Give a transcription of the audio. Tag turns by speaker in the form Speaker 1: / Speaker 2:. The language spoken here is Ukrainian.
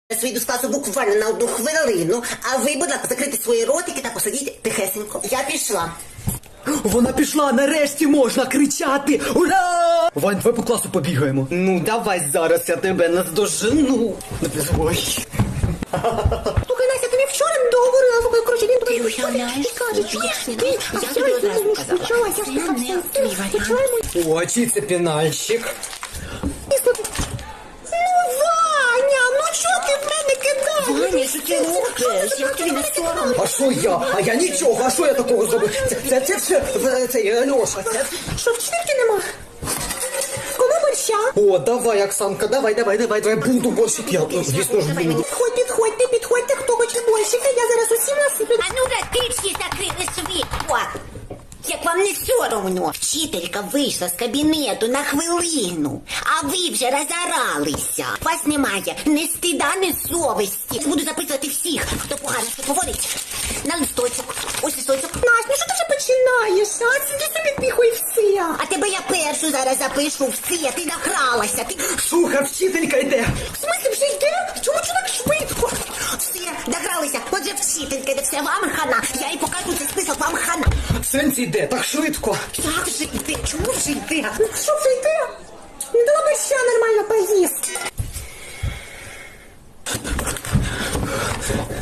Speaker 1: Я вийду з класу буквально на 1 хвилину, а ви, будь ласка, закрийте свої ротики та посидіть тихесенько. Я пішла.
Speaker 2: Вона пішла, нарешті можна кричати! Ура! Вань, давай по класу побігаємо. Ну, давай зараз я тебе наздожену. Ой.
Speaker 1: Слухай, Настя, ти мені вчора не договорила, коротше, він
Speaker 3: Ти уявляєш, я тобі одразу казала. Це не твій варіант.
Speaker 2: О, чий це пінальщик?
Speaker 1: Ваня, ну чого ти в мене кидаєш?
Speaker 3: Ваня, що ти робиш? Як тобі не соромно?
Speaker 2: А що я? А я нічого, а що я такого зробив? Це все, цей Льоша, це...
Speaker 1: Що, вчительки нема? Коли борща?
Speaker 2: О, давай, Оксанка, давай, буду борщик, я, звісно ж, буду.
Speaker 1: Підходьте, хто хоче борщика, я зараз усім насиплю.
Speaker 3: А ну ти всі закрили світло. Як вам не соромно? Вчителька вийшла з кабінету на хвилину, а ви вже розоралися. Вас немає ні стида, ні совісті. Буду записувати всіх, хто погано що говорить. На листочок. Ось листочок.
Speaker 1: Настя, ну що ти вже починаєш? А сиди собі тихо і все.
Speaker 3: А тебе я першу зараз запишу все. Ти награлася. Ти...
Speaker 2: Слухай, вчителька йде.
Speaker 1: В смысле вже йде? Чому так швидко?
Speaker 3: Все, догралися. Отже, вчителька, це все вам хана. Я їй покажу цей список, вам хана.
Speaker 2: Сенсі йде, так швидко.
Speaker 3: Як же йде? Чому вже йде?
Speaker 1: Ну що вже йде? Не дала борща нормально поїсти.